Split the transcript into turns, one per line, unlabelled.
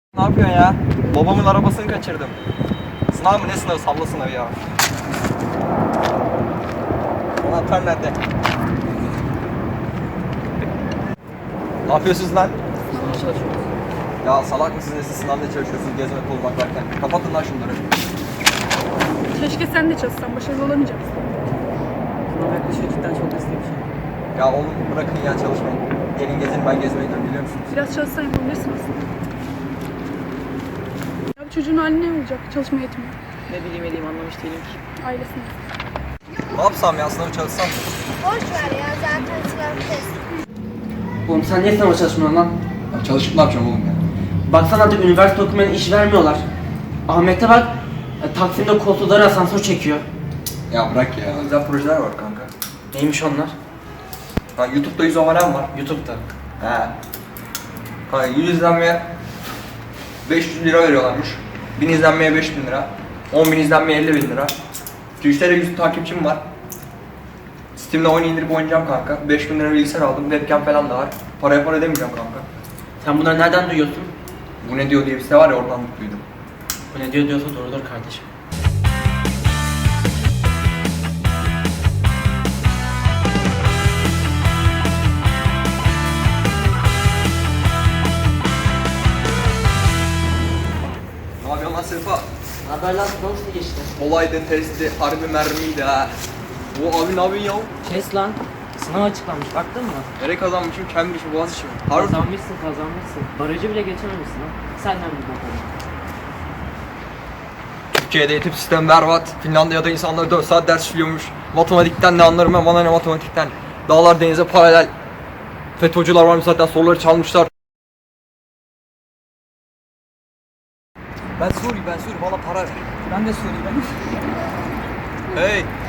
Ne yapıyorsun ya? Babamın arabasını kaçırdım. Sınav mı ne sınavı? Salla sınavı ya. Anahtar nerede? Ne yapıyorsunuz lan?
Sınava çalışıyoruz.
Ya salak mısınız siz sınavda çalışıyorsunuz gezmek olmak varken? Kapatın lan şunları.
Keşke sen de çalışsan, başarılı olamayacaksın.
Sınav yaklaşıyor, cidden çok riskli bir şey.
Ya oğlum bırakın ya çalışmayın. Gelin gezin, ben gezmeye gidiyorum biliyor musunuz?
Biraz çalışsan yapabilirsin aslında. Ya bu çocuğun hali ne olacak? Çalışma yetmiyor.
Ne bileyim edeyim, anlamış değilim ki.
Ailesine.
Ne yapsam ya, sınavı çalışsam mı?
Boş ver ya, zaten sınav test.
Oğlum sen niye sınava çalışmıyorsun lan?
Ya çalışıp ne yapacağım oğlum ya?
Baksana artık üniversite okumayan iş vermiyorlar. Ahmet'e bak, Taksim'de koltukları asansör çekiyor.
Ya bırak ya. Güzel projeler var kanka.
Neymiş onlar?
Ha, YouTube'da 100 abonem var.
YouTube'da.
He. Ha, 100 izlenmeye 500 lira veriyorlarmış. 1000 izlenmeye 5000 lira. 10.000 izlenmeye 50.000 lira. Twitch'te de 100 takipçim var. Steam'de oyun indirip oynayacağım kanka. 5000 lira bilgisayar aldım. Webcam falan da var. Paraya para demeyeceğim kanka.
Sen bunları nereden duyuyorsun?
Bu ne diyor diye bir site var ya, oradan duydum.
Bu ne diyor diyorsa doğrudur kardeşim.
Ne yapıyorsun lan Sefa?
Haber lan nasıl geçti?
Olaydı, testi, harbi mermiydi ha. O abi ne yapıyorsun ya?
Kes lan. Sınav açıklanmış, baktın mı?
Nereye kazanmışım? Cambridge mi, Boğaziçi mi? Harbi.
Kazanmışsın. Barajı bile geçememişsin ha. Senden bir bakalım.
Türkiye'de eğitim sistemi berbat. Finlandiya'da insanlar 4 saat ders işliyormuş. Matematikten ne anlarım ben, bana ne matematikten. Dağlar denize paralel. FETÖ'cüler varmış zaten, soruları çalmışlar. Ben Suri, bana para ver.
Ben de söyleyeyim.
Hey,